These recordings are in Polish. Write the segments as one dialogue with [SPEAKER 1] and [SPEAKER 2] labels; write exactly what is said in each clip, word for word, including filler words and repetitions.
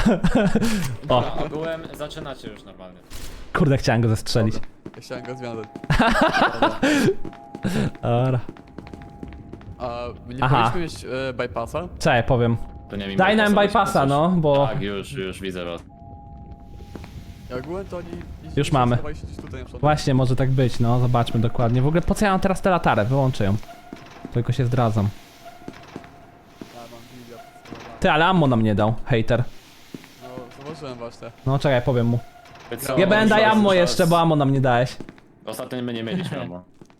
[SPEAKER 1] O,
[SPEAKER 2] A ogółem zaczynacie już normalnie.
[SPEAKER 1] kurde, chciałem go zestrzelić.
[SPEAKER 3] Dobra. Ja chciałem go związać.
[SPEAKER 1] Dobra.
[SPEAKER 3] A nie
[SPEAKER 1] Aha.
[SPEAKER 3] powinniśmy mieć e, bypassa?
[SPEAKER 1] Czekaj, powiem.
[SPEAKER 2] To nie wiem,
[SPEAKER 1] Daj nam bypassa, no, bo...
[SPEAKER 2] Tak, już, już widzę was.
[SPEAKER 3] Ja ogółem to oni...
[SPEAKER 1] Już mamy.
[SPEAKER 3] schowali się gdzieś tutaj na przykład.
[SPEAKER 1] Właśnie, może tak być, no, zobaczmy dokładnie. W ogóle po co ja mam teraz tę latarę? Wyłączę ją. Tylko się zdradzam.
[SPEAKER 3] Ja mam giga.
[SPEAKER 1] Ty, ale ammo nam nie dał, hater.
[SPEAKER 3] No, zauważyłem właśnie.
[SPEAKER 1] No czekaj, powiem mu.
[SPEAKER 2] Co?
[SPEAKER 1] Nie będę daj
[SPEAKER 2] Już
[SPEAKER 1] ammo
[SPEAKER 2] raz-
[SPEAKER 1] jeszcze, bo ammo nam nie dałeś.
[SPEAKER 2] Ostatnio my nie mieliśmy ammo.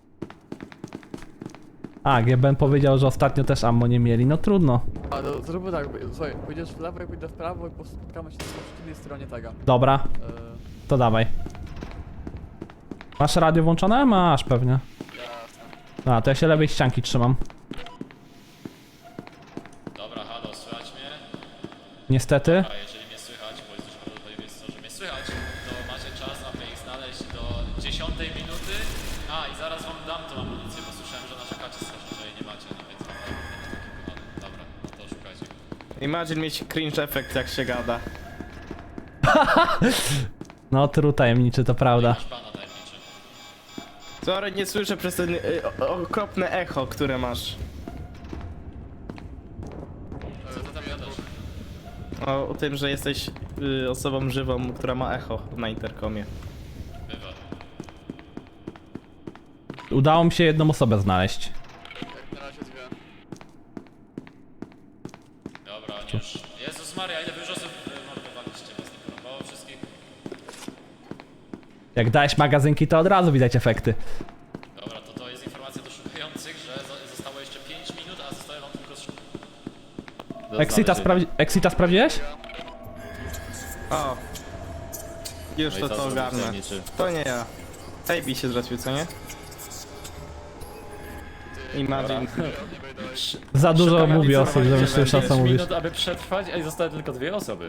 [SPEAKER 1] A, G B N powiedział, że ostatnio też ammo nie mieli, no trudno.
[SPEAKER 3] A no, zróbmy tak, słuchaj, pójdziesz w lewo, ja pójdę w prawo i spotkamy się na przeciwnej stronie tego.
[SPEAKER 1] Dobra,
[SPEAKER 3] E,
[SPEAKER 1] to dawaj. Masz radio włączone? Masz pewnie. A, to ja się lewej ścianki trzymam.
[SPEAKER 2] Dobra, halo, słychać mnie?
[SPEAKER 1] Niestety.
[SPEAKER 2] A jeżeli mnie słychać, bo jest dużo prawdopodobieństwo, że mnie słychać, to macie czas, aby ich znaleźć do dziesiątej minuty. A, i zaraz wam dam tą amunicję, bo słyszałem, że narzekacie strasznie, że jej nie macie, no więc wam dam taki kochany. Dobra, no to szukajcie.
[SPEAKER 4] Imagine mieć cringe efekt jak się gada.
[SPEAKER 1] No, true tajemniczy, to prawda.
[SPEAKER 2] Masz pana tajemniczy.
[SPEAKER 4] Sorry, nie słyszę przez ten y, o- okropne echo, które masz.
[SPEAKER 2] Co ty tam gadasz?
[SPEAKER 4] O, o tym, że jesteś y, osobą żywą, która ma echo na interkomie.
[SPEAKER 2] Bywa.
[SPEAKER 1] Udało mi się jedną osobę znaleźć.
[SPEAKER 3] jak na razie dwie.
[SPEAKER 2] Dobra, już. Jezus Maria, ile wy już osób mordowaliście, was nie porąbało wszystkich?
[SPEAKER 1] Jak dałeś magazynki, to od razu widać efekty.
[SPEAKER 2] Dobra, to to jest informacja do szukających, że zo- zostało jeszcze pięć minut, a zostaje wam tylko... sz- do
[SPEAKER 1] Exita,
[SPEAKER 2] znalezienia.
[SPEAKER 1] sprawdzi Exita sprawdziłeś?
[SPEAKER 4] O! Już
[SPEAKER 2] No i
[SPEAKER 4] to
[SPEAKER 2] co
[SPEAKER 4] to
[SPEAKER 2] zrobił
[SPEAKER 4] ogarnę.
[SPEAKER 2] tajemniczy?
[SPEAKER 4] To nie ja. Ejbi się zrespił, co nie? Imagine.
[SPEAKER 1] Za dużo
[SPEAKER 2] Szukam
[SPEAKER 1] mówi osób,
[SPEAKER 2] informacji,
[SPEAKER 1] żeby
[SPEAKER 2] że
[SPEAKER 1] słyszał co
[SPEAKER 2] pięć
[SPEAKER 1] mówisz.
[SPEAKER 2] minut, aby przetrwać, a i zostały tylko dwie osoby.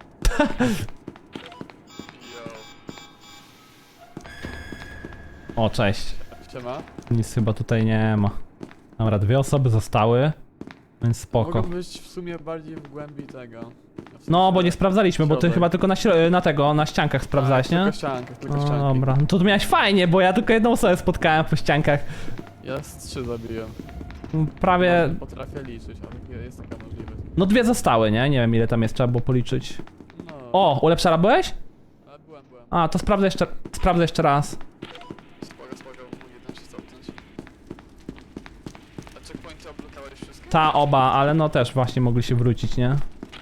[SPEAKER 1] O, cześć.
[SPEAKER 3] Siema.
[SPEAKER 1] Nic chyba tutaj nie ma. Dobra, dwie osoby zostały, więc spoko.
[SPEAKER 3] Mogą być w sumie bardziej w głębi tego. W
[SPEAKER 1] No, bo
[SPEAKER 3] sensie-
[SPEAKER 1] nie sprawdzaliśmy, bo ty
[SPEAKER 3] środek.
[SPEAKER 1] chyba tylko na, śro- na tego, na ściankach sprawdzałeś,
[SPEAKER 3] Tak,
[SPEAKER 1] nie?
[SPEAKER 3] Tylko ściankach, tylko
[SPEAKER 1] No
[SPEAKER 3] ścianki.
[SPEAKER 1] dobra, no to tu miałeś fajnie, bo ja tylko jedną osobę spotkałem po ściankach.
[SPEAKER 3] Ja z trzy zabiłem.
[SPEAKER 1] Prawie,
[SPEAKER 3] No, potrafię liczyć, ale jest taka możliwość.
[SPEAKER 1] no dwie zostały, nie? Nie wiem ile tam jest, trzeba było policzyć.
[SPEAKER 3] No.
[SPEAKER 1] O, ulepszara byłeś?
[SPEAKER 3] A, byłem, byłem.
[SPEAKER 1] A, to sprawdzę jeszcze, sprawdzę jeszcze raz.
[SPEAKER 3] Spoko, spoko, mogę tam się cofnąć. A checkpointy oblokowałeś wszystkie?
[SPEAKER 1] Ta, oba, ale no też właśnie mogli się wrócić, nie?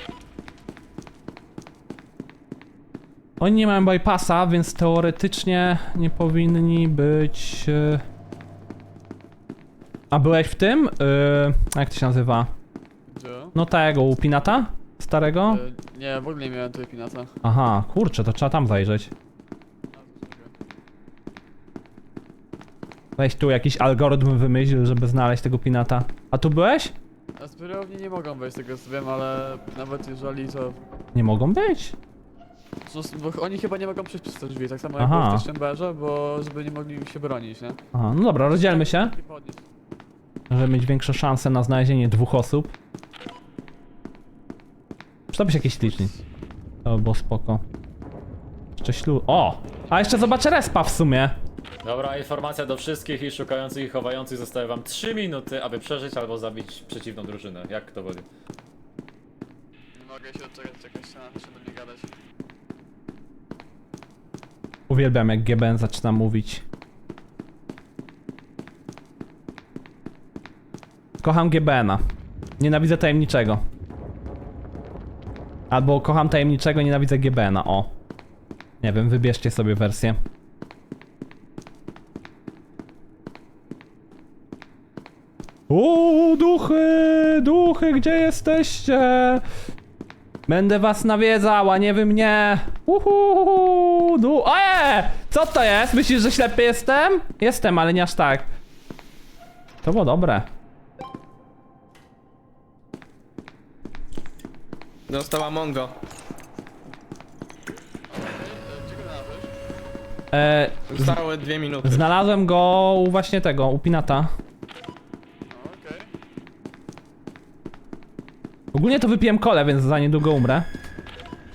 [SPEAKER 1] Oni nie mają bypassa, więc teoretycznie nie powinni być... e, A byłeś w tym? Yy, jak to się nazywa?
[SPEAKER 3] Gdzie?
[SPEAKER 1] No tego, u Pinata? Starego?
[SPEAKER 3] E, nie, w ogóle nie miałem tutaj pinata.
[SPEAKER 1] Aha, kurczę, to trzeba tam zajrzeć. Weź tu jakiś algorytm wymyśl, żeby znaleźć tego Pinata. A tu byłeś?
[SPEAKER 3] A zbiorowni nie mogą wejść z tego co wiem, ale nawet jeżeli to...
[SPEAKER 1] Nie mogą być.
[SPEAKER 3] No, bo oni chyba nie mogą przejść przez te drzwi, tak samo jak
[SPEAKER 1] Aha.
[SPEAKER 3] było w tej chamberze, bo żeby nie mogli się bronić, nie?
[SPEAKER 1] Aha, no dobra, rozdzielmy się,
[SPEAKER 3] I podnieść.
[SPEAKER 1] żeby mieć większe szanse na znalezienie dwóch osób. Przydałby się jakiś licznik. To by było spoko. Jeszcze ślu... O! A jeszcze zobaczę respa w sumie.
[SPEAKER 2] Dobra, informacja do wszystkich i szukających i chowających. Zostały wam trzy minuty, aby przeżyć albo zabić przeciwną drużynę. Jak kto woli.
[SPEAKER 3] Nie mogę się odczekać, czekać się na do mnie gadać.
[SPEAKER 1] Uwielbiam jak G B N zaczyna mówić. Kocham G B N-a. Nienawidzę tajemniczego. Albo kocham tajemniczego, nienawidzę G B N-a, o. Nie wiem, wybierzcie sobie wersję. Uuu, duchy, duchy, gdzie jesteście? Będę was nawiedzała, nie wy mnie. Uhu, du... Eee! Co to jest? Myślisz, że ślepy jestem? Jestem, ale nie aż tak. To było dobre.
[SPEAKER 4] Dostała Mongo.
[SPEAKER 3] Gdzie go znalazłeś?
[SPEAKER 1] E,
[SPEAKER 4] Zostały dwie minuty.
[SPEAKER 1] znalazłem go u właśnie tego, u Pinata.
[SPEAKER 3] No, okej.
[SPEAKER 1] Ogólnie to wypiłem kolę, więc za niedługo umrę.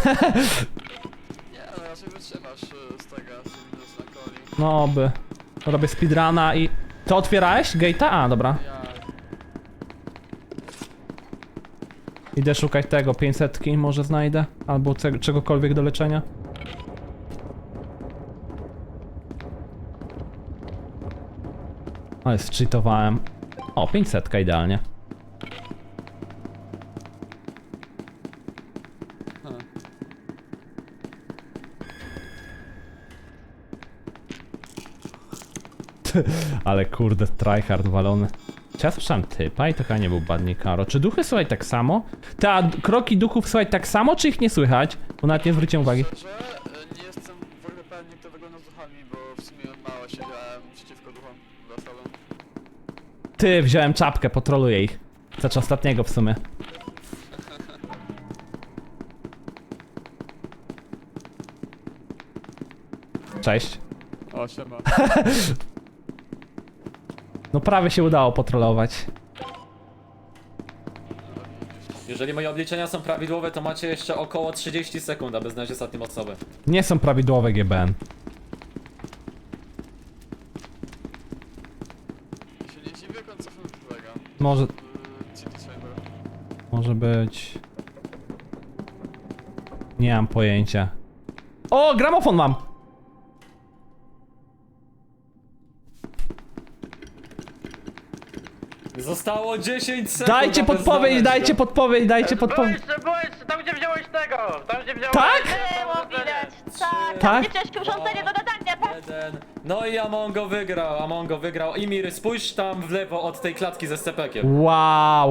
[SPEAKER 3] Nie, ale raczej wytrzymasz y, z tego, z minus na coli.
[SPEAKER 1] No oby. Robię speedruna i... To otwierałeś gate'a? A, dobra.
[SPEAKER 3] Ja...
[SPEAKER 1] Idę szukać tego, pięćsetki może znajdę. Albo ce- czegokolwiek do leczenia. Ale zcheatowałem. O, pięćsetka idealnie.
[SPEAKER 3] Hmm.
[SPEAKER 1] Ale kurde, tryhard walony. Czy ja słyszałem typa i to chyba nie był Badnikaro. Czy duchy słuchaj tak samo? Te a kroki duchów słuchaj tak samo, czy ich nie słychać? Bo nawet nie zwróciłem uwagi.
[SPEAKER 3] Szczerze, y, nie jestem w ogóle pewien, jak to wygląda z duchami, bo w sumie mało siedziałem przeciwko duchom za sobą.
[SPEAKER 1] Ty, wziąłem czapkę, potroluję ich. Znaczy ostatniego w sumie. Cześć.
[SPEAKER 3] O, siema.
[SPEAKER 1] No prawie się udało potrolować.
[SPEAKER 2] Jeżeli moje obliczenia są prawidłowe, to macie jeszcze około trzydzieści sekund, aby znaleźć ostatnią osobę.
[SPEAKER 1] Nie są prawidłowe G B N.
[SPEAKER 3] Ja się nie dziwię, jak on cofnął do tego.
[SPEAKER 1] Może,
[SPEAKER 3] W City Chamber.
[SPEAKER 1] może być... Nie mam pojęcia. O, gramofon mam!
[SPEAKER 2] Zostało dziesięć sekund.
[SPEAKER 1] Dajcie
[SPEAKER 2] aby
[SPEAKER 1] podpowiedź,
[SPEAKER 2] znaleźć
[SPEAKER 1] dajcie
[SPEAKER 2] go.
[SPEAKER 1] podpowiedź, dajcie podpowiedź.
[SPEAKER 5] Boys, boys, tam gdzie wziąłeś tego! Tam gdzie wziąłeś...
[SPEAKER 1] Tak?
[SPEAKER 5] Było widać, tak!
[SPEAKER 1] Tak?
[SPEAKER 5] Gdzie wziąłeś urządzenie do nadania, tak?
[SPEAKER 2] Jeden. No i Amongo wygrał, Amongo wygrał. Imir, spójrz tam w lewo od tej klatki ze scepekiem.
[SPEAKER 1] Wow.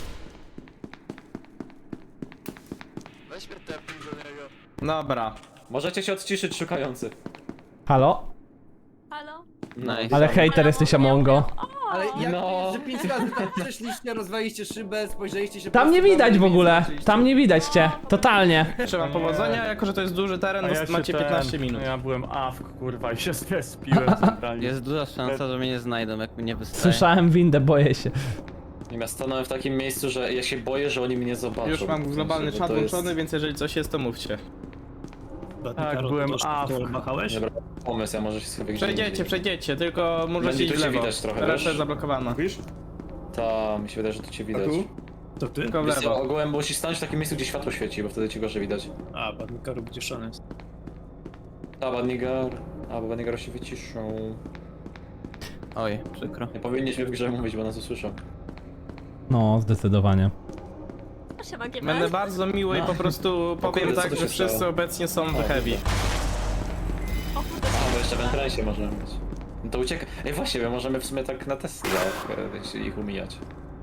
[SPEAKER 3] Weź mnie tepnij do niego.
[SPEAKER 4] Dobra.
[SPEAKER 2] Możecie się odciszyć, szukający.
[SPEAKER 1] Halo?
[SPEAKER 5] Halo?
[SPEAKER 2] Nice.
[SPEAKER 1] Ale hejter jesteś Amongo.
[SPEAKER 6] Ale jak
[SPEAKER 2] No.
[SPEAKER 6] że pięć razy tam przeszliście, rozwaliście szybę, spojrzeliście się
[SPEAKER 1] Tam nie
[SPEAKER 6] prosto
[SPEAKER 1] widać
[SPEAKER 6] do
[SPEAKER 1] w
[SPEAKER 6] mnie i
[SPEAKER 1] ogóle.
[SPEAKER 6] zobaczyliście.
[SPEAKER 1] Tam nie widać cię. Totalnie.
[SPEAKER 4] Życzę wam powodzenia, jako że to jest duży teren,
[SPEAKER 7] A
[SPEAKER 4] to
[SPEAKER 7] ja się
[SPEAKER 4] macie
[SPEAKER 7] ten-
[SPEAKER 4] piętnaście minut.
[SPEAKER 7] Ja byłem awk, kurwa, i się zespiłem centralnie.
[SPEAKER 8] Jest duża szansa, że mnie nie znajdą, jak mnie wystaje.
[SPEAKER 1] Słyszałem windę, boję się.
[SPEAKER 2] Ja stanąłem w takim miejscu, że ja się boję, że oni mnie zobaczą.
[SPEAKER 4] Już mam globalny
[SPEAKER 2] Że
[SPEAKER 4] czat
[SPEAKER 2] to jest-
[SPEAKER 4] włączony, więc jeżeli coś jest, to mówcie.
[SPEAKER 7] Tak, byłem awk.
[SPEAKER 2] Dobra, pomysł, ja może się sobie gdzieś
[SPEAKER 4] Przejdziecie,
[SPEAKER 2] indziej.
[SPEAKER 4] przejdziecie, tylko możecie
[SPEAKER 2] Będzie
[SPEAKER 4] iść
[SPEAKER 2] tu
[SPEAKER 4] w
[SPEAKER 2] cię
[SPEAKER 4] lewo.
[SPEAKER 2] widać trochę,
[SPEAKER 4] Reszta
[SPEAKER 2] wiesz?
[SPEAKER 4] jest zablokowana.
[SPEAKER 9] Wiesz?
[SPEAKER 2] Ta, mi się wydaje, że tu cię widać.
[SPEAKER 9] tu?
[SPEAKER 7] To ty?
[SPEAKER 4] Tylko w
[SPEAKER 2] Wiesz co,
[SPEAKER 4] lewo.
[SPEAKER 2] ogółem musisz stanąć w takim miejscu, gdzie światło świeci, bo wtedy ci gorzej widać.
[SPEAKER 7] A, Badnikaro wyciszony jest.
[SPEAKER 2] A, Badnigar... A, bo Badnigar się wyciszą.
[SPEAKER 8] Oj, przykro.
[SPEAKER 2] Nie powinniśmy w grze mówić, bo nas usłyszą.
[SPEAKER 1] No, zdecydowanie.
[SPEAKER 5] Siema, G
[SPEAKER 4] Będę bardzo miły i po prostu powiem
[SPEAKER 2] kurde, co
[SPEAKER 4] tak,
[SPEAKER 2] tu
[SPEAKER 4] że
[SPEAKER 2] się
[SPEAKER 4] wszyscy
[SPEAKER 2] stało?
[SPEAKER 4] obecnie są w heavy.
[SPEAKER 2] A, bo jeszcze w entrensie możemy być. No to ucieka. Ej, właśnie, my możemy w sumie tak na testy e, ich umijać.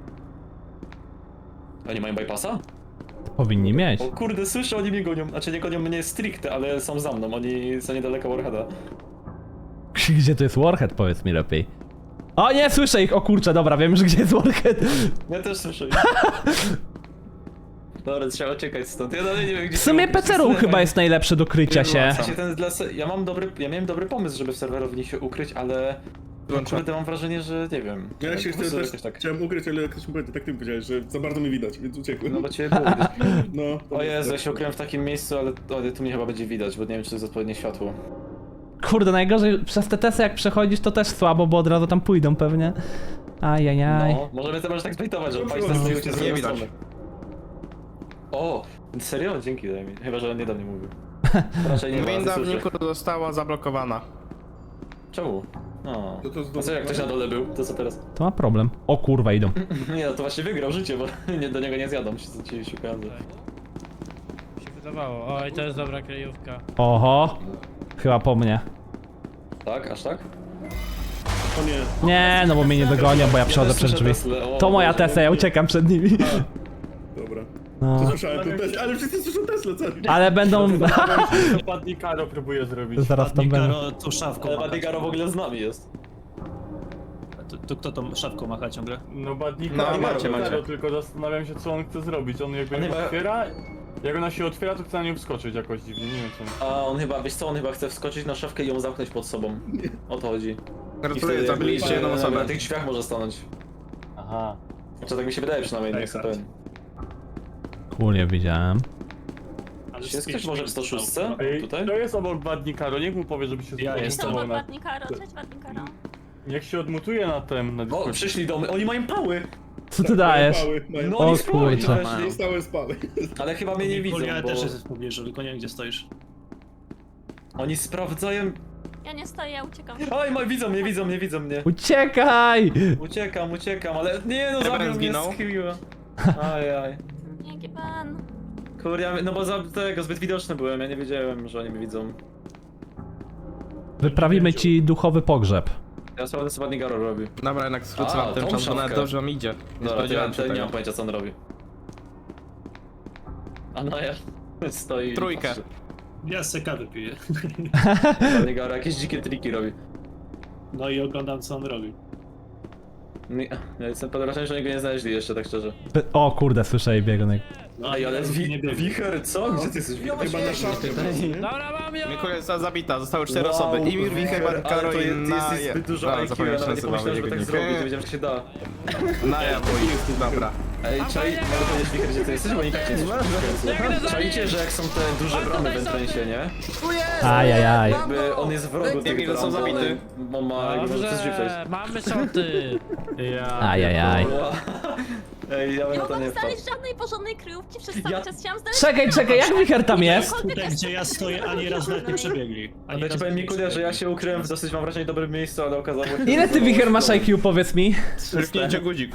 [SPEAKER 2] Oni mają bypassa?
[SPEAKER 1] Powinni mieć.
[SPEAKER 2] O kurde, słyszę, oni mnie gonią. Znaczy nie gonią mnie stricte, ale są za mną. Oni są niedaleko Warheada.
[SPEAKER 1] Gdzie to jest Warhead, powiedz mi lepiej. O nie, słyszę ich! O kurczę, dobra, wiem już gdzie jest Warhead.
[SPEAKER 2] Ja też słyszę. Dobra, trzeba czekać stąd. Ja dalej nie wiem, gdzie
[SPEAKER 1] W sumie
[SPEAKER 2] się
[SPEAKER 1] P C Room chyba jest najlepszy do krycia się.
[SPEAKER 2] Ja, się ten dla se... ja mam dobry, ja miałem dobry pomysł, żeby w serwerowni się ukryć, ale
[SPEAKER 4] Wyłączę.
[SPEAKER 2] kurde mam wrażenie, że nie wiem.
[SPEAKER 9] Ja się
[SPEAKER 2] po prostu
[SPEAKER 9] też
[SPEAKER 2] jakoś tak.
[SPEAKER 9] chciałem ukryć, ale jak ktoś mi powiedział, tak ty mi powiedziałeś, że za bardzo mnie widać, więc uciekłem.
[SPEAKER 2] No bo ciebie było widać.
[SPEAKER 9] No.
[SPEAKER 2] O Jezu, ja się ukryłem w takim miejscu, ale o, tu mnie chyba będzie widać, bo nie wiem, czy to jest odpowiednie światło.
[SPEAKER 1] Kurde, najgorzej przez te testy jak przechodzisz to też słabo, bo od razu tam pójdą pewnie. Ajajaj.
[SPEAKER 2] No, możemy to może tak zbejtować, że państwo stoją cię z
[SPEAKER 4] Nie
[SPEAKER 2] drugiej
[SPEAKER 4] widać.
[SPEAKER 2] strony. O, serio? Dzięki, daj mi. Chyba, że on nie do mnie mówił. Raczej nie ma,
[SPEAKER 4] Winda w
[SPEAKER 2] słyszę.
[SPEAKER 4] Niku została zablokowana.
[SPEAKER 2] Czemu? No.
[SPEAKER 9] To to
[SPEAKER 2] A co jak ktoś na dole był, to co teraz?
[SPEAKER 1] To ma problem. O kurwa, idą.
[SPEAKER 2] Nie, no to właśnie wygrał życie, bo nie, do niego nie zjadą, ci ci szukający.
[SPEAKER 10] się wydawało. Oj, to jest dobra kryjówka.
[SPEAKER 1] Oho. Chyba po mnie.
[SPEAKER 2] Tak? Aż tak?
[SPEAKER 9] O nie.
[SPEAKER 1] Nie, no bo mnie nie dogonią, bo ja przechodzę
[SPEAKER 2] też
[SPEAKER 1] przez
[SPEAKER 2] słyszę
[SPEAKER 1] drzwi.
[SPEAKER 2] Teslę, o
[SPEAKER 1] To moja
[SPEAKER 2] Boże,
[SPEAKER 1] Tesla, ja uciekam przed nimi.
[SPEAKER 9] Dobra.
[SPEAKER 1] No.
[SPEAKER 9] To słyszałem ten Tesla, ale wszyscy słyszą Tesla, co?
[SPEAKER 1] Ale będą...
[SPEAKER 7] To Badnikaro próbuje zrobić.
[SPEAKER 1] Zaraz tam będą.
[SPEAKER 7] tu szafką
[SPEAKER 2] Ale Badigaro w ogóle z nami jest.
[SPEAKER 11] To, to kto tą szafką macha ciągle?
[SPEAKER 7] No Badnikaro,
[SPEAKER 4] No, macie, macie.
[SPEAKER 7] tylko zastanawiam się, co on chce zrobić. On jakby
[SPEAKER 2] On
[SPEAKER 7] ją
[SPEAKER 2] chyba-
[SPEAKER 7] otwiera, jak ona się otwiera, to chce na nią wskoczyć jakoś dziwnie, nie wiem co.
[SPEAKER 2] A on chyba, wiesz co, on chyba chce wskoczyć na szafkę i ją zamknąć pod sobą. O to chodzi. I
[SPEAKER 4] Gratuluję,
[SPEAKER 2] wtedy
[SPEAKER 4] zabiliście
[SPEAKER 2] jakby,
[SPEAKER 4] jedną
[SPEAKER 2] e,
[SPEAKER 4] osobę.
[SPEAKER 2] Na tych drzwiach może stanąć.
[SPEAKER 7] Aha.
[SPEAKER 2] Znaczy tak mi się wydaje przynajmniej, nie jestem pewien.
[SPEAKER 1] Kulię widziałem.
[SPEAKER 11] Jest ktoś może w sto szósty?
[SPEAKER 7] Ej,
[SPEAKER 11] Tutaj?
[SPEAKER 7] to jest obok Badnikaro, niech mu powie, żeby się
[SPEAKER 11] Ja
[SPEAKER 7] zmutował
[SPEAKER 11] jestem.
[SPEAKER 5] To
[SPEAKER 7] na-
[SPEAKER 5] Wadnikaro, cześć Wadnikaro.
[SPEAKER 7] Niech się odmutuje na tym, na
[SPEAKER 11] O,
[SPEAKER 7] Discordzie.
[SPEAKER 11] przyszli do mnie, oni mają pały!
[SPEAKER 1] Co ty dajesz?
[SPEAKER 9] Mały, mają
[SPEAKER 11] No
[SPEAKER 1] O
[SPEAKER 11] oni spróbują
[SPEAKER 1] kurczę.
[SPEAKER 11] weszli.
[SPEAKER 9] nie stałe spały.
[SPEAKER 11] Ale chyba mnie nie widzą,
[SPEAKER 10] Ja
[SPEAKER 11] bo
[SPEAKER 10] też jest w pobliżu, tylko nie wiem gdzie stoisz.
[SPEAKER 11] oni sprawdzają...
[SPEAKER 5] Ja nie stoję, ja uciekam.
[SPEAKER 11] Oj, ma, widzą mnie, widzą mnie, widzą mnie.
[SPEAKER 1] Uciekaj!
[SPEAKER 11] Uciekam, uciekam, ale nie no,
[SPEAKER 4] Ebren
[SPEAKER 11] zabił mnie
[SPEAKER 4] zginął.
[SPEAKER 11] z Kiwiła. Ajaj.
[SPEAKER 5] Nie, Giban.
[SPEAKER 11] Kurde, ja, no bo za tego zbyt widoczny byłem, ja nie wiedziałem, że oni mnie widzą.
[SPEAKER 1] Wyprawimy ci duchowy pogrzeb.
[SPEAKER 11] Ja sprawdzę co Badnikaro robi.
[SPEAKER 4] Dobra, jednak skrócę
[SPEAKER 11] A,
[SPEAKER 4] wam ten
[SPEAKER 11] tą
[SPEAKER 4] czas, bo nawet
[SPEAKER 11] szafkę.
[SPEAKER 4] dobrze wam idzie. Nie
[SPEAKER 11] Dobra, to ja
[SPEAKER 4] spodziewałem się
[SPEAKER 11] to nie
[SPEAKER 4] tego.
[SPEAKER 11] mam pojęcia co on robi. A no ja stoi i
[SPEAKER 4] Trójkę.
[SPEAKER 11] patrzy.
[SPEAKER 10] Ja se kawę piję.
[SPEAKER 11] Badnikaro jakieś dzikie triki robi.
[SPEAKER 10] No i oglądam co on robi.
[SPEAKER 11] Nie, ja jestem pod wrażeniem, że oni go nie znaleźli jeszcze, tak szczerze.
[SPEAKER 1] O kurde, słyszę jej biegunek.
[SPEAKER 10] No,
[SPEAKER 11] Ej, ale
[SPEAKER 10] nie
[SPEAKER 11] wi
[SPEAKER 10] biegnie.
[SPEAKER 11] wicher, co? Gdzie ty jesteś wicher?
[SPEAKER 9] Chyba na szafie.
[SPEAKER 10] Dobra, mam ją!
[SPEAKER 4] Mikulia została zabita, zostały cztery
[SPEAKER 11] Wow,
[SPEAKER 4] osoby. Imir, Wicher,
[SPEAKER 11] ale
[SPEAKER 4] Karo
[SPEAKER 11] to
[SPEAKER 4] i
[SPEAKER 11] jest,
[SPEAKER 4] na...
[SPEAKER 11] jest zbyt dużo
[SPEAKER 4] A,
[SPEAKER 11] I Q, ja
[SPEAKER 4] zapomniałem,
[SPEAKER 11] nawet nie
[SPEAKER 4] nazywały
[SPEAKER 11] pomyślałem, żeby
[SPEAKER 4] jego
[SPEAKER 11] tak
[SPEAKER 4] nick.
[SPEAKER 11] zrobić, nie wiedziałem, że się da.
[SPEAKER 4] Naja, bój. Dobra.
[SPEAKER 11] Ej, czaj, mogę powiedzieć wicher, gdzie ty jesteś, bo nikt nie jest. Czajcie, że jak są te duże bramy w Entrensie, nie?
[SPEAKER 1] Ajajaj.
[SPEAKER 11] Jakby on jest w rogu
[SPEAKER 4] Emil
[SPEAKER 11] tych
[SPEAKER 4] został
[SPEAKER 11] bram,
[SPEAKER 4] zabity.
[SPEAKER 11] ale On ma, jakby może coś przejść.
[SPEAKER 10] Dobrze, mamy szoty! Ja.
[SPEAKER 1] Ajajaj.
[SPEAKER 11] Ej, ja bym
[SPEAKER 5] Nie
[SPEAKER 11] na to
[SPEAKER 5] mogłam
[SPEAKER 11] nie wpadł.
[SPEAKER 5] znaleźć żadnej porządnej kryjówki przez cały
[SPEAKER 11] Ja-
[SPEAKER 5] czas. Chciałam znaleźć...
[SPEAKER 1] Czekaj, czekaj, jak wicher tam jest?
[SPEAKER 10] Tutaj gdzie ja stoję, ani raz nawet nie przebiegli. Ani
[SPEAKER 11] Ale ci
[SPEAKER 10] razu
[SPEAKER 11] powiem
[SPEAKER 10] nie
[SPEAKER 11] Mikulia, że ja
[SPEAKER 10] przebiegli.
[SPEAKER 11] się ukryłem w dosyć, mam wrażenie, dobrym miejscu, ale okazało się...
[SPEAKER 1] Ile ty wicher masz I Q, powiedz mi?
[SPEAKER 4] Ryknięcie guzik.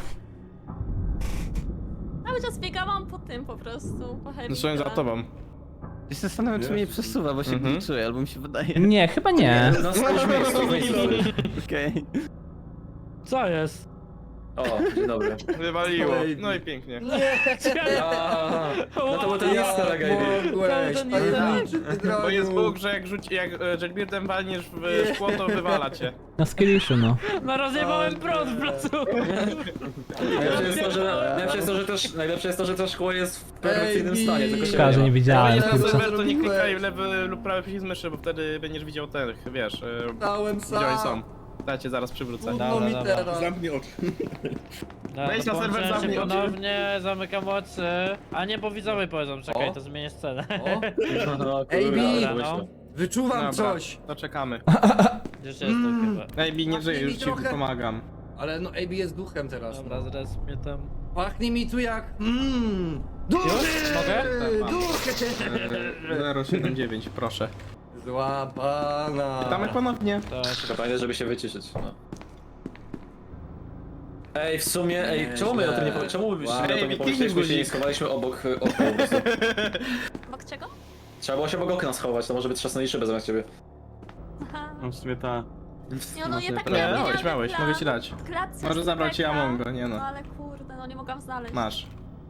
[SPEAKER 5] Cały czas biegałam po tym po prostu, po heavy.
[SPEAKER 4] Stoję za tobą.
[SPEAKER 8] Ja się zastanawiam, czy mnie nie przesuwa, bo się
[SPEAKER 4] Mhm.
[SPEAKER 8] glitchuje, albo mi się wydaje.
[SPEAKER 1] Nie, chyba nie.
[SPEAKER 11] Na swoim miejscu, miejscu.
[SPEAKER 8] Okej.
[SPEAKER 10] Co jest?
[SPEAKER 11] O, dzień dobry.
[SPEAKER 4] Wywaliło. No i pięknie.
[SPEAKER 11] Aha, no to był ten easter egg, Ivy.
[SPEAKER 6] Mogłeś,
[SPEAKER 5] To nie
[SPEAKER 6] tajemniczy ty
[SPEAKER 4] Bo jest
[SPEAKER 6] drogu.
[SPEAKER 4] Bóg, że jak rzuci, jak e, Jailbirdem walniesz w szkło, to wywala cię.
[SPEAKER 1] Na skilliszu, no.
[SPEAKER 10] No rozjebałem prąd w placu!
[SPEAKER 11] Najlepsze jest to, że, najlepsze jest to, że też, najlepsze jest to, że to szkło jest w perfekcyjnym
[SPEAKER 6] Ej,
[SPEAKER 11] stanie, tylko się
[SPEAKER 1] Szkoda, że nie
[SPEAKER 11] ma.
[SPEAKER 1] widziałem,
[SPEAKER 4] Ale
[SPEAKER 1] kurczę.
[SPEAKER 4] serwer to nie klikaj w lewy lub prawy przycisk myszy, bo wtedy będziesz widział tych, wiesz, e,
[SPEAKER 6] Stałem
[SPEAKER 4] gdzie oni są.
[SPEAKER 6] sam.
[SPEAKER 4] Dajcie, zaraz przywrócę.
[SPEAKER 6] Trudno mi
[SPEAKER 10] dobra.
[SPEAKER 6] teraz.
[SPEAKER 9] Zamknij oczy.
[SPEAKER 10] Dobra,
[SPEAKER 4] Wejdź na
[SPEAKER 10] to
[SPEAKER 4] serwer,
[SPEAKER 10] połączyłem się
[SPEAKER 4] zamknij oczy.
[SPEAKER 10] ponownie, zamykam oczy. A nie, bo widzowie powiedzą, czekaj,
[SPEAKER 6] O.
[SPEAKER 10] to zmienię scenę.
[SPEAKER 6] O,
[SPEAKER 11] No,
[SPEAKER 6] Ej,
[SPEAKER 11] kurwa,
[SPEAKER 6] Bi!
[SPEAKER 11] ale
[SPEAKER 10] No.
[SPEAKER 11] myślę.
[SPEAKER 6] wyczuwam
[SPEAKER 4] Dobra,
[SPEAKER 6] coś.
[SPEAKER 4] to czekamy.
[SPEAKER 10] Gdzieś jestem chyba.
[SPEAKER 4] Ej, Bi, nie żyję, już ci
[SPEAKER 6] Trochę.
[SPEAKER 4] pomagam.
[SPEAKER 6] Ale no A B jest duchem teraz.
[SPEAKER 10] Dobra, zaraz mnie tam...
[SPEAKER 6] Pachnie mi tu jak... Mmm... Duchy!
[SPEAKER 10] Mogę?
[SPEAKER 4] Tak, mam.
[SPEAKER 6] Duchy!
[SPEAKER 4] E, zero siedem dziewięć, proszę.
[SPEAKER 6] Złapana.
[SPEAKER 4] Witamy ponownie.
[SPEAKER 10] To...
[SPEAKER 11] Tylko pamiętaj, żeby się wyciszyć, no. Ej, w sumie, ej, czemu my o tym nie powie- czemu
[SPEAKER 6] Wow.
[SPEAKER 11] my o tym nie
[SPEAKER 4] Ej,
[SPEAKER 11] pomyśleliśmy, się nie
[SPEAKER 4] guzik.
[SPEAKER 11] schowaliśmy obok y, okna po prostu.
[SPEAKER 5] Obok czego?
[SPEAKER 11] Trzeba było się obok okna schować, to może by trzasnęli szybę zamiast ciebie.
[SPEAKER 5] Aha.
[SPEAKER 7] No w sumie ta...
[SPEAKER 5] Nie, no ja tak
[SPEAKER 4] Nie,
[SPEAKER 5] miałam
[SPEAKER 4] miałeś,
[SPEAKER 5] genialny
[SPEAKER 4] miałeś,
[SPEAKER 5] plan.
[SPEAKER 4] mogę ci dać.
[SPEAKER 5] W klatce
[SPEAKER 4] Może
[SPEAKER 5] z
[SPEAKER 4] zabrać ci
[SPEAKER 5] Rebeka.
[SPEAKER 4] Amongo, nie no.
[SPEAKER 5] No ale kurde, no nie mogłam znaleźć.
[SPEAKER 4] Masz.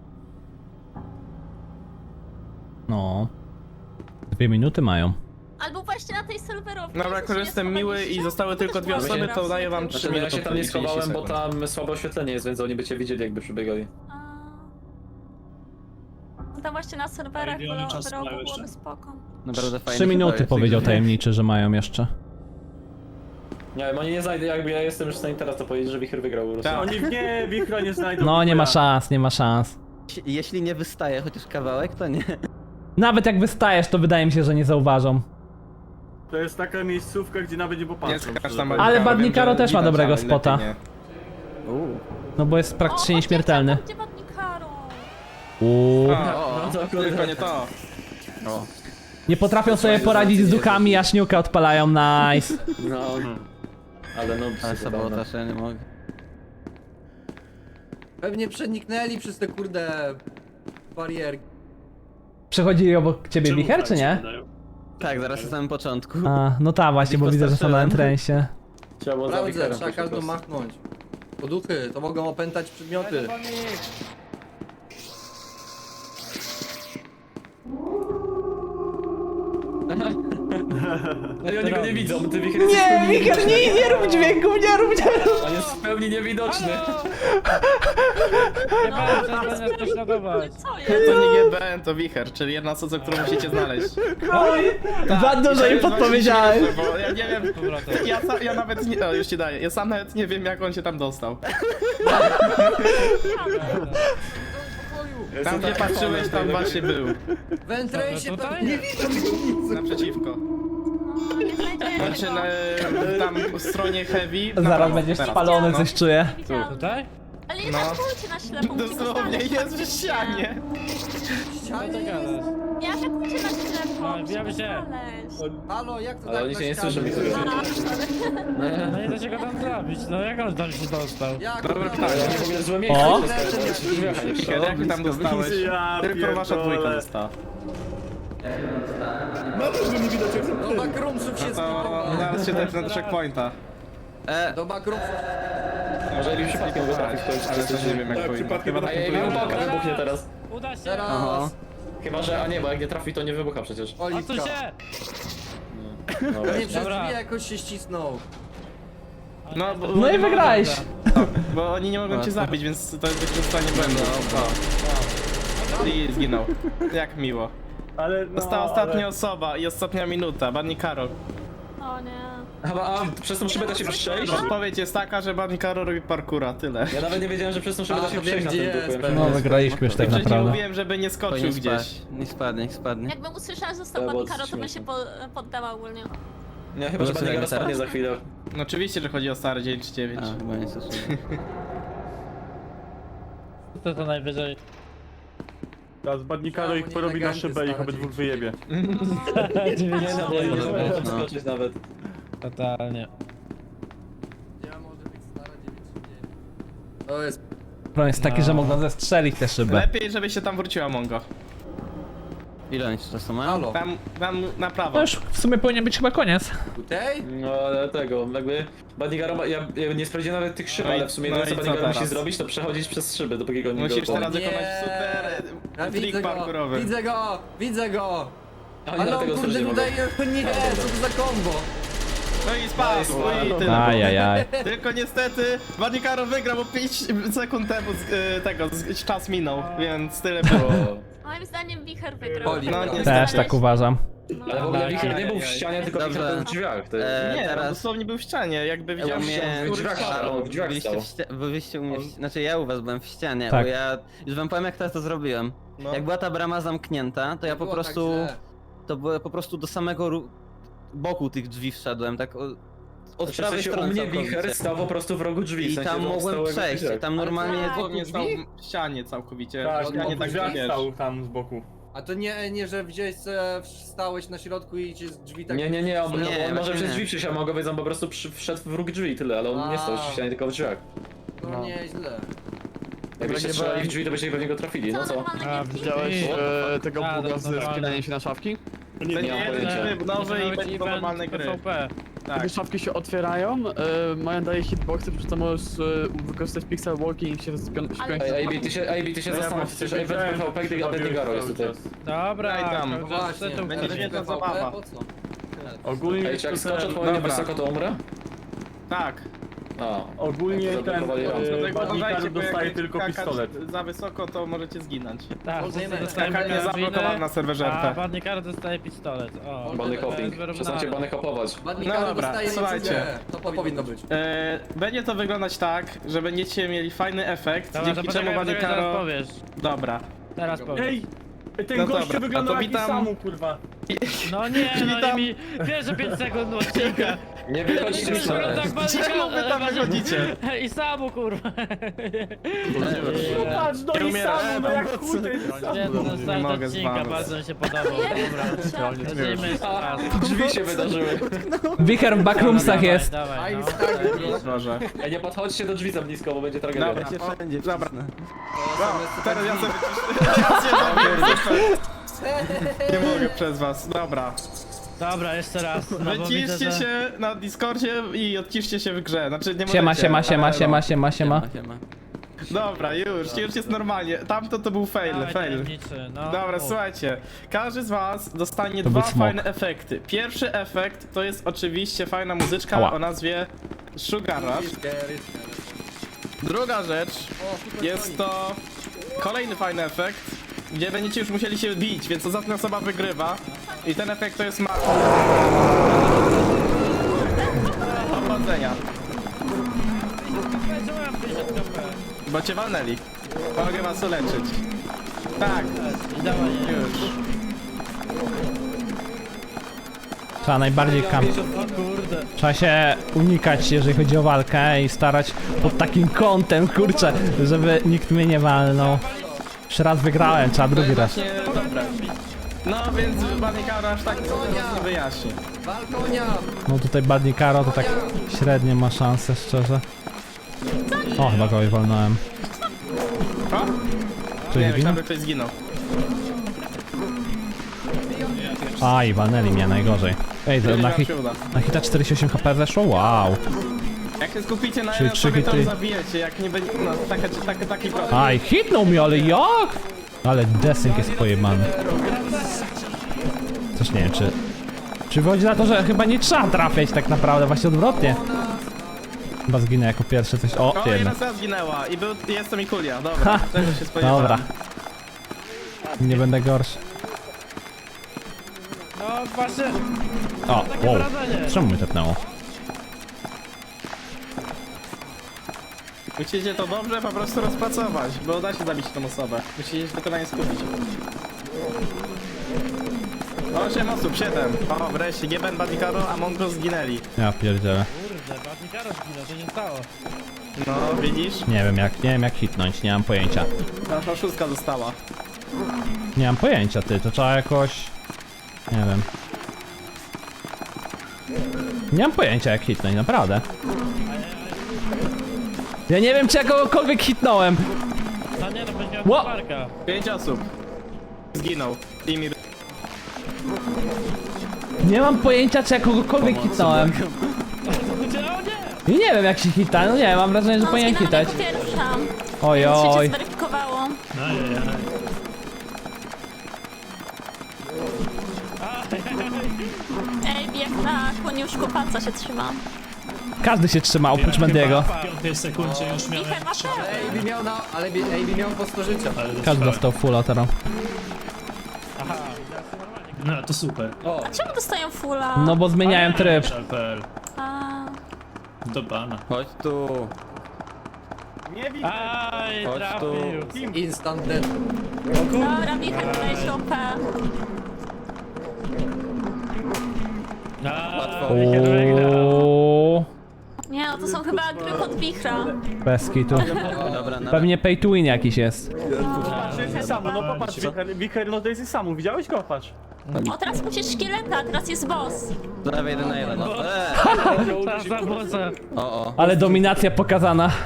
[SPEAKER 1] No. Dwie minuty mają.
[SPEAKER 5] Albo właśnie na tej serwerowni.
[SPEAKER 4] Dobra, jako że jestem miły i zostały tylko dwie osoby, to daję wam trzy
[SPEAKER 11] Znaczy, no ja
[SPEAKER 4] minuty.
[SPEAKER 11] się tam nie
[SPEAKER 4] i trzydzieści
[SPEAKER 11] schowałem, bo
[SPEAKER 4] sekund.
[SPEAKER 11] tam słabe oświetlenie jest, więc oni by cię widzieli, jakby przybiegali.
[SPEAKER 5] A... No tam właśnie na serwerach
[SPEAKER 10] Ale oni
[SPEAKER 5] w
[SPEAKER 10] czasu
[SPEAKER 5] rogu
[SPEAKER 10] mają jeszcze.
[SPEAKER 5] byłoby spoko.
[SPEAKER 8] Naprawdę fajnie.
[SPEAKER 1] Trzy minuty powiedział tajemniczy, że mają jeszcze.
[SPEAKER 11] Nie wiem, oni nie znajdą, jakby ja jestem już w stanie teraz to powiedzieć, że Wicher wygrał po prostu.
[SPEAKER 4] Tak.
[SPEAKER 7] Oni nie, wichra nie znajdą.
[SPEAKER 1] No, nie ma
[SPEAKER 7] Mikulia.
[SPEAKER 1] szans, nie ma szans.
[SPEAKER 8] Jeśli nie wystaje chociaż kawałek, to nie.
[SPEAKER 1] Nawet jak wystajesz, to wydaje mi się, że nie zauważą.
[SPEAKER 7] To jest taka miejscówka, gdzie nawet nie
[SPEAKER 4] Nie
[SPEAKER 7] popatrzą.
[SPEAKER 4] skacz
[SPEAKER 7] szczerze
[SPEAKER 4] tam
[SPEAKER 7] powiem.
[SPEAKER 1] Ale
[SPEAKER 4] Badnikaro,
[SPEAKER 1] Badnikaro
[SPEAKER 4] wiem, że
[SPEAKER 1] też ma
[SPEAKER 4] widać,
[SPEAKER 1] dobrego
[SPEAKER 4] ale lepiej
[SPEAKER 1] spota.
[SPEAKER 4] nie.
[SPEAKER 8] Uuu.
[SPEAKER 1] No bo jest
[SPEAKER 5] O,
[SPEAKER 1] praktycznie
[SPEAKER 5] chodźcie,
[SPEAKER 1] nieśmiertelny.
[SPEAKER 5] Gdzie Badnikaro?
[SPEAKER 1] Uuu.
[SPEAKER 4] O,
[SPEAKER 11] No to
[SPEAKER 4] tylko nie to.
[SPEAKER 8] O.
[SPEAKER 1] Nie potrafią sobie poradzić z duchami, a szniukę odpalają, nice.
[SPEAKER 11] No. Ale no,
[SPEAKER 8] Ale
[SPEAKER 11] psy,
[SPEAKER 8] sabotaż, ja nie mogę.
[SPEAKER 6] Pewnie przeniknęli przez te kurde... barierki.
[SPEAKER 1] Przechodzili obok ciebie
[SPEAKER 10] Czemu
[SPEAKER 1] wicher,
[SPEAKER 10] tak
[SPEAKER 1] czy
[SPEAKER 10] się
[SPEAKER 1] nie?
[SPEAKER 10] wydają?
[SPEAKER 8] Tak, zaraz na samym początku.
[SPEAKER 1] A, no tak, właśnie, bo widzę, że są na entrensie.
[SPEAKER 11] Trzeba było za
[SPEAKER 6] Sprawdzę,
[SPEAKER 11] Wicherem
[SPEAKER 6] trzeba
[SPEAKER 11] pójść po
[SPEAKER 6] każdą
[SPEAKER 11] prostu.
[SPEAKER 6] machnąć. Bo duchy, to mogą opętać przedmioty.
[SPEAKER 11] No i oni go nie widzą, ty Wicher
[SPEAKER 1] Nie, wicher, nie, nie rób dźwięków, nie rób, nie rób.
[SPEAKER 11] On jest w pełni niewidoczny.
[SPEAKER 10] Nie będę, że będę prześladować.
[SPEAKER 5] Co jest?
[SPEAKER 4] To nie G B N, to wicher, czyli jedna osoba, którą musicie znaleźć.
[SPEAKER 1] Oj, za dużo im podpowiedziałem.
[SPEAKER 4] Bo ja nie wiem,
[SPEAKER 10] Powrotem.
[SPEAKER 4] ja, sa, ja nawet nie, o, już ci daję, ja sam nawet nie wiem jak on się tam dostał. Tam gdzie patrzyłeś, tam właśnie był.
[SPEAKER 6] Wętręsie
[SPEAKER 10] Dobra,
[SPEAKER 6] to
[SPEAKER 10] tutaj?
[SPEAKER 6] nie widzę tego nic.
[SPEAKER 4] Naprzeciwko.
[SPEAKER 5] No, nie znajdziemy
[SPEAKER 4] Znaczy
[SPEAKER 5] go.
[SPEAKER 4] na, tam po stronie heavy. na
[SPEAKER 1] Zaraz
[SPEAKER 4] prawo,
[SPEAKER 1] będziesz
[SPEAKER 4] teraz.
[SPEAKER 1] spalony,
[SPEAKER 4] No.
[SPEAKER 1] coś czuję.
[SPEAKER 5] Nie widziałam.
[SPEAKER 10] Tutaj?
[SPEAKER 5] Ale nie
[SPEAKER 4] No.
[SPEAKER 5] atakujcie na ślepo, musimy
[SPEAKER 4] Dosłownie
[SPEAKER 5] znaleźć
[SPEAKER 4] jest w
[SPEAKER 5] faktycznie.
[SPEAKER 4] ścianie.
[SPEAKER 6] Ścianie
[SPEAKER 10] Co
[SPEAKER 6] jest.
[SPEAKER 10] gadasz?
[SPEAKER 5] Nie atakujcie na ślepo,
[SPEAKER 10] No,
[SPEAKER 5] musimy
[SPEAKER 10] bijamy się.
[SPEAKER 5] znaleźć.
[SPEAKER 6] Halo, jak to
[SPEAKER 11] Ale
[SPEAKER 6] tak
[SPEAKER 11] oni
[SPEAKER 6] na
[SPEAKER 11] się nie
[SPEAKER 6] ścianie?
[SPEAKER 11] słyszą, mi słyszą.
[SPEAKER 5] A, sorry.
[SPEAKER 10] No nie da się go tam zabić, no jak on tam się dostał?
[SPEAKER 6] Jak
[SPEAKER 4] Dobra,
[SPEAKER 6] to?
[SPEAKER 4] pytanie.
[SPEAKER 11] Ale oni w ogóle złe miejsce.
[SPEAKER 1] O!
[SPEAKER 4] Kiedy jak tam dostałeś?
[SPEAKER 9] Ja
[SPEAKER 4] Tylko wasza
[SPEAKER 9] pierdolę.
[SPEAKER 4] dwójka dostała.
[SPEAKER 9] Ma też go nie widać jak
[SPEAKER 6] Do
[SPEAKER 9] zamknięty.
[SPEAKER 6] backroomsów się
[SPEAKER 4] To
[SPEAKER 6] skipowało.
[SPEAKER 4] zaraz się tepnę do checkpointa.
[SPEAKER 8] E,
[SPEAKER 6] Do backroomsów.
[SPEAKER 11] Może Ebi przypadkiem go trafi w końcu,
[SPEAKER 4] Ale też nie wiem jak
[SPEAKER 9] Tak,
[SPEAKER 4] powinno.
[SPEAKER 9] przypadkiem
[SPEAKER 4] Chyba
[SPEAKER 9] tak
[SPEAKER 11] A
[SPEAKER 4] tak
[SPEAKER 11] Ebi
[SPEAKER 4] powinno.
[SPEAKER 11] uwaga, wybuchnie teraz.
[SPEAKER 10] Uda się!
[SPEAKER 6] Teraz.
[SPEAKER 8] aha.
[SPEAKER 11] Chyba, że, a nie, bo jak nie trafi, to nie wybucha przecież.
[SPEAKER 10] Odsuń
[SPEAKER 6] Oliwka.
[SPEAKER 10] się!
[SPEAKER 11] No
[SPEAKER 6] Pewnie
[SPEAKER 11] właśnie.
[SPEAKER 6] przez
[SPEAKER 10] Dobra.
[SPEAKER 6] drzwi jakoś się ścisnął.
[SPEAKER 4] No, bo,
[SPEAKER 1] No i wygrałeś.
[SPEAKER 4] bo oni nie mogą cię zabić, więc to jest wykorzystanie błędu. I zginął. Jak miło.
[SPEAKER 7] Ale no,
[SPEAKER 4] Została ostatnia osoba i ostatnia minuta, Barney Karol.
[SPEAKER 5] O nie.
[SPEAKER 11] A, a przez tą szybę da się przejść?
[SPEAKER 4] Odpowiedź jest taka, że Barney Karol robi parkura, tyle.
[SPEAKER 11] Ja nawet nie wiedziałem, że przez tą szybę
[SPEAKER 6] A,
[SPEAKER 11] da się
[SPEAKER 6] to wiem,
[SPEAKER 11] przejść na
[SPEAKER 6] gdzie
[SPEAKER 11] tym
[SPEAKER 6] jest,
[SPEAKER 11] duchu.
[SPEAKER 6] pewnie.
[SPEAKER 1] No, wygraliśmy już tak
[SPEAKER 4] Wcześniej
[SPEAKER 1] naprawdę.
[SPEAKER 4] mówiłem, żeby nie skoczył
[SPEAKER 8] Powinien
[SPEAKER 4] gdzieś.
[SPEAKER 8] spaść. Niech spadnie, niech spadnie.
[SPEAKER 5] Jakbym usłyszała, że został
[SPEAKER 11] To było
[SPEAKER 5] Banikaro, to bym się
[SPEAKER 11] śmieszne.
[SPEAKER 5] po, poddała ogólnie.
[SPEAKER 11] Nie, chyba, że
[SPEAKER 8] Było
[SPEAKER 11] Banigara
[SPEAKER 8] słychać
[SPEAKER 11] spadnie
[SPEAKER 8] teraz?
[SPEAKER 11] za chwilę.
[SPEAKER 4] No oczywiście, że chodzi o stary dzień czy dziewięć.
[SPEAKER 8] A, chyba nie stosuję.
[SPEAKER 10] To to najwyżej.
[SPEAKER 7] Teraz Badnikaro ich porobi na szybę i ich obydwóch wyjebie.
[SPEAKER 11] Nie, no, nie, nie,
[SPEAKER 8] Dobra,
[SPEAKER 11] nie,
[SPEAKER 8] no.
[SPEAKER 11] skoczyć nawet.
[SPEAKER 10] Totalnie.
[SPEAKER 6] Ja może być stara dziewięć dziewięć. To jest...
[SPEAKER 1] Problem jest taki, że mogą zestrzelić te szyby.
[SPEAKER 4] Lepiej, żeby się tam wróciła Mongo.
[SPEAKER 8] Ile oni czasu mają?
[SPEAKER 6] Halo.
[SPEAKER 4] Tam, tam na prawo.
[SPEAKER 1] To już w sumie powinien być chyba koniec.
[SPEAKER 6] Tutaj?
[SPEAKER 11] No ale tego, jakby Banigaro, ma- ja, ja nie sprawdziłem nawet tych szyb,
[SPEAKER 4] No i-
[SPEAKER 11] ale w sumie
[SPEAKER 4] no
[SPEAKER 11] jedyne
[SPEAKER 4] i
[SPEAKER 11] co
[SPEAKER 4] co
[SPEAKER 11] Banigaro musi
[SPEAKER 4] teraz?
[SPEAKER 11] zrobić, to przechodzić przez szyby, dopóki go nie
[SPEAKER 4] Musisz
[SPEAKER 11] go-
[SPEAKER 4] teraz
[SPEAKER 6] Nie.
[SPEAKER 4] wykonać super
[SPEAKER 6] Ja
[SPEAKER 4] trik
[SPEAKER 6] widzę go,
[SPEAKER 4] parkurowy.
[SPEAKER 6] widzę go, widzę go!
[SPEAKER 11] A nie,
[SPEAKER 6] Ale
[SPEAKER 11] dlatego
[SPEAKER 6] on kurde
[SPEAKER 11] nie mogę.
[SPEAKER 6] tutaj... Nie, co to za kombo?
[SPEAKER 4] No i spadł, no i tyle.
[SPEAKER 1] Ajajaj.
[SPEAKER 4] Tylko niestety Barney Karol wygrał, bo pięć sekund temu z, y, tego, z, czas minął, więc tyle było.
[SPEAKER 5] Moim zdaniem Wicher wygrał.
[SPEAKER 6] Oli,
[SPEAKER 4] No,
[SPEAKER 6] no,
[SPEAKER 4] niestety.
[SPEAKER 1] Też tak uważam.
[SPEAKER 5] No.
[SPEAKER 11] Ale w ogóle
[SPEAKER 10] Tak,
[SPEAKER 11] Wicher
[SPEAKER 10] tak,
[SPEAKER 11] nie był w
[SPEAKER 10] tak.
[SPEAKER 11] ścianie, tylko
[SPEAKER 8] Dobrze.
[SPEAKER 11] Wicher był w drzwiach. To jest...
[SPEAKER 8] E,
[SPEAKER 4] Nie, on
[SPEAKER 8] teraz
[SPEAKER 4] dosłownie był w ścianie, jakby
[SPEAKER 8] ja
[SPEAKER 4] widział
[SPEAKER 8] miałem...
[SPEAKER 11] w drzwiach stał, w drzwiach
[SPEAKER 8] byliście,
[SPEAKER 11] stał.
[SPEAKER 8] w ścia... byliście u mnie, w... znaczy ja u was byłem w ścianie,
[SPEAKER 1] Tak.
[SPEAKER 8] bo ja już wam powiem jak teraz to zrobiłem.
[SPEAKER 4] No.
[SPEAKER 8] Jak była ta brama zamknięta, to ja po
[SPEAKER 6] Było tak
[SPEAKER 8] prostu,
[SPEAKER 6] źle.
[SPEAKER 8] to było po prostu do samego ru... boku tych drzwi wszedłem, tak o... od
[SPEAKER 11] Znaczy, w
[SPEAKER 8] prawej
[SPEAKER 11] sensie, u
[SPEAKER 8] strony
[SPEAKER 11] mnie
[SPEAKER 8] całkowicie.
[SPEAKER 11] Wicher stał po prostu w rogu drzwi. w
[SPEAKER 8] I
[SPEAKER 11] sensie,
[SPEAKER 8] tam
[SPEAKER 11] że on
[SPEAKER 8] mogłem
[SPEAKER 11] stał jakby w
[SPEAKER 8] przejść,
[SPEAKER 11] drzwiach.
[SPEAKER 8] tam normalnie...
[SPEAKER 5] tak.
[SPEAKER 4] Dosłownie stał w ścianie całkowicie.
[SPEAKER 7] Tak,
[SPEAKER 4] w ścianie
[SPEAKER 7] no,
[SPEAKER 4] tak
[SPEAKER 7] drzwiach
[SPEAKER 4] wiesz.
[SPEAKER 7] stał tam z boku.
[SPEAKER 6] A to nie, nie, że wziąłeś sobie, stałeś na środku i cię z drzwi tak...
[SPEAKER 11] Nie, nie, nie, on,
[SPEAKER 8] Nie,
[SPEAKER 11] on może
[SPEAKER 8] właśnie
[SPEAKER 11] przez
[SPEAKER 8] nie.
[SPEAKER 11] drzwi przyjść, a mogę powiedzieć, on po prostu przy, wszedł w róg drzwi, tyle, ale on nie stał w ścianie, tylko w drzwiach.
[SPEAKER 6] No nieźle.
[SPEAKER 11] Jakbyście strzelali w drzwi, to byście pewnie go trafili, no co?
[SPEAKER 5] normalne
[SPEAKER 10] A,
[SPEAKER 5] gierki?
[SPEAKER 10] widziałeś
[SPEAKER 3] e, tego
[SPEAKER 10] A,
[SPEAKER 3] buga
[SPEAKER 10] to
[SPEAKER 3] z
[SPEAKER 10] normalne.
[SPEAKER 3] wpinaniem się na szafki?
[SPEAKER 4] To
[SPEAKER 11] Nie
[SPEAKER 4] nie
[SPEAKER 11] mam
[SPEAKER 4] jest
[SPEAKER 11] pojęcia.
[SPEAKER 4] tryb nowy i
[SPEAKER 10] Może
[SPEAKER 4] będzie
[SPEAKER 10] być
[SPEAKER 4] to
[SPEAKER 10] event
[SPEAKER 4] normalne gry.
[SPEAKER 10] PvP.
[SPEAKER 4] Tak.
[SPEAKER 3] Gdy szafki się otwierają, e, mają daje hitboxy, przy czym możesz e, wykorzystać pixel walking i się spiąć.
[SPEAKER 11] Ej, A B, ty się, A B, ty się
[SPEAKER 7] No ja
[SPEAKER 11] zastanów,
[SPEAKER 7] właśnie
[SPEAKER 11] przecież event
[SPEAKER 7] wiedziałem,
[SPEAKER 11] PvP,
[SPEAKER 7] że
[SPEAKER 11] gdy
[SPEAKER 7] chyba
[SPEAKER 11] Abednego
[SPEAKER 7] wiesz
[SPEAKER 11] jest tutaj.
[SPEAKER 7] cały czas.
[SPEAKER 10] Dobra,
[SPEAKER 4] Daj tam.
[SPEAKER 10] to-
[SPEAKER 6] No
[SPEAKER 10] to-
[SPEAKER 6] właśnie,
[SPEAKER 10] to- to-
[SPEAKER 4] będzie
[SPEAKER 6] ale
[SPEAKER 4] świetna
[SPEAKER 6] PvP,
[SPEAKER 4] zabawa.
[SPEAKER 6] po co?
[SPEAKER 7] Ogólnie
[SPEAKER 11] Ej, czy jak
[SPEAKER 7] to
[SPEAKER 11] skoczę
[SPEAKER 7] ten-
[SPEAKER 11] odpowiednio
[SPEAKER 4] dobra.
[SPEAKER 11] wysoko, to umrę?
[SPEAKER 4] Tak.
[SPEAKER 11] A,
[SPEAKER 7] Ogólnie ten
[SPEAKER 11] Zablokowali rampę.
[SPEAKER 7] e,
[SPEAKER 4] Dlatego
[SPEAKER 7] Badnikaro
[SPEAKER 4] uważajcie, bo
[SPEAKER 7] dostaje
[SPEAKER 4] jak
[SPEAKER 7] tylko
[SPEAKER 4] skakać
[SPEAKER 7] pistolet.
[SPEAKER 4] za wysoko, to możecie zginąć.
[SPEAKER 10] Tak,
[SPEAKER 6] Może nie
[SPEAKER 10] dostajemy
[SPEAKER 4] Skakanie
[SPEAKER 10] karabiny,
[SPEAKER 4] zablokowane na serwerze
[SPEAKER 10] A
[SPEAKER 4] R P.
[SPEAKER 10] Badnikaro dostaje pistolet. O,
[SPEAKER 11] bany
[SPEAKER 10] to
[SPEAKER 11] hopping.
[SPEAKER 10] jest wyrównane.
[SPEAKER 11] Przestańcie bany hopować.
[SPEAKER 6] Badnikaro
[SPEAKER 4] No dobra,
[SPEAKER 6] dostaje
[SPEAKER 4] słuchajcie.
[SPEAKER 6] niecudze. To powinno być.
[SPEAKER 4] E, będzie to wyglądać tak, że będziecie mieli fajny efekt,
[SPEAKER 10] Dobra, to
[SPEAKER 4] dzięki czemu
[SPEAKER 10] poczekaj, poczekaj, teraz
[SPEAKER 4] Badnikaro...
[SPEAKER 10] powiesz.
[SPEAKER 4] Dobra.
[SPEAKER 10] Teraz powiesz.
[SPEAKER 7] Ej! Ten
[SPEAKER 4] No
[SPEAKER 7] gościu
[SPEAKER 4] dobra,
[SPEAKER 7] wygląda
[SPEAKER 4] a to
[SPEAKER 7] jak
[SPEAKER 4] witam-
[SPEAKER 7] Samu, kurwa.
[SPEAKER 10] No nie, no
[SPEAKER 4] Witam.
[SPEAKER 10] i mi pierwsze pięć sekund odcinka.
[SPEAKER 11] Nie wychodźcie
[SPEAKER 10] I
[SPEAKER 11] z
[SPEAKER 10] kurwa,
[SPEAKER 11] ściany.
[SPEAKER 10] tak Badnikaro-
[SPEAKER 4] Czemu wy tam wychodzicie?
[SPEAKER 10] I samu kurwa.
[SPEAKER 7] Patrz, no
[SPEAKER 4] Nie
[SPEAKER 7] i
[SPEAKER 4] umieram.
[SPEAKER 7] Samu, no jak chuj to jest Samu.
[SPEAKER 10] Świetny start
[SPEAKER 4] mogę z
[SPEAKER 10] odcinka,
[SPEAKER 4] wami.
[SPEAKER 10] bardzo mi się podobał. Dobra, lecimy jeszcze raz.
[SPEAKER 11] Drzwi się wydarzyły.
[SPEAKER 1] Wicher w backroomsach
[SPEAKER 10] Dawaj,
[SPEAKER 1] jest.
[SPEAKER 10] Dawaj,
[SPEAKER 6] I'm
[SPEAKER 10] no.
[SPEAKER 6] stuck.
[SPEAKER 4] Może.
[SPEAKER 11] Ej, nie podchodźcie do drzwi za blisko, bo będzie tragedia.
[SPEAKER 4] Dobra.
[SPEAKER 8] Ja cię wszędzie
[SPEAKER 4] Dobra.
[SPEAKER 8] wcisnę.
[SPEAKER 4] No, teraz ja sobie ja się zabiję. Nie mogę przez was. Dobra.
[SPEAKER 10] Dobra, jeszcze raz. No, bo widzę,
[SPEAKER 4] Wyciszcie
[SPEAKER 10] że-
[SPEAKER 4] się na Discordzie i odciszcie się w grze. Znaczy nie
[SPEAKER 1] Siema,
[SPEAKER 4] możecie,
[SPEAKER 1] siema,
[SPEAKER 4] ale
[SPEAKER 1] siema,
[SPEAKER 4] no.
[SPEAKER 1] siema, siema, siema.
[SPEAKER 8] Siema.
[SPEAKER 4] Dobra, już, już jest normalnie. Tamto to był fail,
[SPEAKER 10] Dawaj,
[SPEAKER 4] fail.
[SPEAKER 10] tajemniczy, no.
[SPEAKER 4] Dobra,
[SPEAKER 10] Mów.
[SPEAKER 4] słuchajcie. Każdy z was dostanie
[SPEAKER 1] To
[SPEAKER 4] dwa
[SPEAKER 1] był smok.
[SPEAKER 4] fajne efekty. Pierwszy efekt to jest oczywiście fajna muzyczka
[SPEAKER 1] Ała.
[SPEAKER 4] o nazwie Sugar Rush. Druga rzecz jest to kolejny fajny efekt, gdzie będziecie już musieli się bić, więc ostatnia osoba wygrywa. I ten efekt to jest ma... Powodzenia.
[SPEAKER 10] Czemu ja mam pięćdziesiąt K P?
[SPEAKER 4] Bo cię walnęli. Mogę was uleczyć. Tak,
[SPEAKER 10] Dawaj,
[SPEAKER 4] już.
[SPEAKER 1] Trzeba najbardziej kam...
[SPEAKER 10] O kurde.
[SPEAKER 1] Trzeba się unikać, jeżeli chodzi o walkę i starać pod takim kątem, kurczę, żeby nikt mnie nie walnął. Już raz wygrałem, trzeba drugi raz.
[SPEAKER 4] Właśnie, dobra. No więc Banikaro aż tak nie wyjaśni.
[SPEAKER 6] Balkonia!
[SPEAKER 1] No tutaj Badnikaro to tak średnio ma szansę, szczerze. O, chyba kogoś walnąłem.
[SPEAKER 4] O?
[SPEAKER 1] Czyli
[SPEAKER 4] Nie,
[SPEAKER 1] wino?
[SPEAKER 4] myślałem, że ktoś zginął.
[SPEAKER 1] Aj, walnęli mnie najgorzej. Ej, to
[SPEAKER 4] Nie
[SPEAKER 1] na,
[SPEAKER 4] wam
[SPEAKER 1] hit,
[SPEAKER 4] się uda.
[SPEAKER 1] na hita czterdzieści osiem HP weszło? Wow.
[SPEAKER 4] Jak się skupicie na
[SPEAKER 1] Czyli
[SPEAKER 4] jednym
[SPEAKER 1] trzy
[SPEAKER 4] sobie, to
[SPEAKER 1] hity.
[SPEAKER 4] zabijecie, jak nie będzie, no, taka, taka, taki problem.
[SPEAKER 1] Aj, hitnął mnie, ale jak? Ale desynk jest pojebany. Coś nie wiem, czy... Czy wychodzi na to, że chyba nie trzeba trafiać tak naprawdę, właśnie odwrotnie. Chyba zginę jako pierwszy coś... O,
[SPEAKER 4] O,
[SPEAKER 1] jednak.
[SPEAKER 4] jedna osoba zginęła i był, jest to Mikulia, dobra,
[SPEAKER 1] Ha!
[SPEAKER 4] tego się spodziewałem.
[SPEAKER 1] Dobra. Nie będę gorszy.
[SPEAKER 10] No właśnie.
[SPEAKER 1] O,
[SPEAKER 10] Takie
[SPEAKER 1] wow.
[SPEAKER 10] wrażenie.
[SPEAKER 1] Czemu mnie tepnęło?
[SPEAKER 4] Musicie to dobrze po prostu rozpracować, bo da się zabić tą osobę. Musicie się tylko na nie skupić. osiem osób, siedem. O, wreszcie, Geben, Badikaro, a Mongo zginęli.
[SPEAKER 1] Ja pierdzielę.
[SPEAKER 10] Kurde, Badnikaro zginął, co się stało?
[SPEAKER 4] No, widzisz?
[SPEAKER 1] Nie wiem jak, nie wiem jak hitnąć, nie mam pojęcia.
[SPEAKER 4] Nasza szóstka została.
[SPEAKER 1] Nie mam pojęcia, ty, to trzeba jakoś... Nie wiem. Nie mam pojęcia jak hitnąć, naprawdę. Ja nie wiem czy ja kogokolwiek hitnąłem.
[SPEAKER 10] No nie, to będzie
[SPEAKER 1] Ło!
[SPEAKER 10] parka.
[SPEAKER 4] Pięć osób. Zginął. Imir.
[SPEAKER 1] Nie mam pojęcia czy ja kogokolwiek hitnąłem.
[SPEAKER 10] O nie!
[SPEAKER 1] I nie wiem jak się hita, no nie, mam wrażenie, że
[SPEAKER 5] No,
[SPEAKER 1] powinien
[SPEAKER 5] zginęłam
[SPEAKER 1] hitać.
[SPEAKER 5] jako pierwsza.
[SPEAKER 1] Oj,
[SPEAKER 5] Więc się cię
[SPEAKER 1] oj.
[SPEAKER 5] zweryfikowało. Ej, jak na koniuszku palca się trzymam.
[SPEAKER 1] Każdy się trzyma, oprócz Mendiego.
[SPEAKER 10] sekundzie już
[SPEAKER 5] Wicher ma pełen.
[SPEAKER 6] Ejbi miał na... ale Bi- Ejbi miał po sto życia.
[SPEAKER 1] Każdy dostał fulla teraz.
[SPEAKER 10] No to super.
[SPEAKER 5] A czemu dostają fulla?
[SPEAKER 1] No bo zmieniałem tryb.
[SPEAKER 5] A,
[SPEAKER 10] Do bana.
[SPEAKER 8] Chodź tu.
[SPEAKER 10] Aj,
[SPEAKER 8] Chodź
[SPEAKER 10] trafił.
[SPEAKER 6] Instant death.
[SPEAKER 5] dobra, Wicher tutaj się O P.
[SPEAKER 10] Łatwo. Wygrał.
[SPEAKER 5] Nie, no to są chyba gry pod Wichra.
[SPEAKER 1] Bez kitu.
[SPEAKER 8] Dobra, na
[SPEAKER 1] Pewnie pay to win jakiś jest.
[SPEAKER 7] Samu, no popatrz, Wicher, no to jest Samu, widziałeś go? Patrz.
[SPEAKER 5] O, teraz musisz szkieleta, teraz jest boss.
[SPEAKER 8] Prawie jeden na jeden. No. Eee.
[SPEAKER 10] Ta zawoza.
[SPEAKER 8] O, o.
[SPEAKER 1] Ale dominacja pokazana.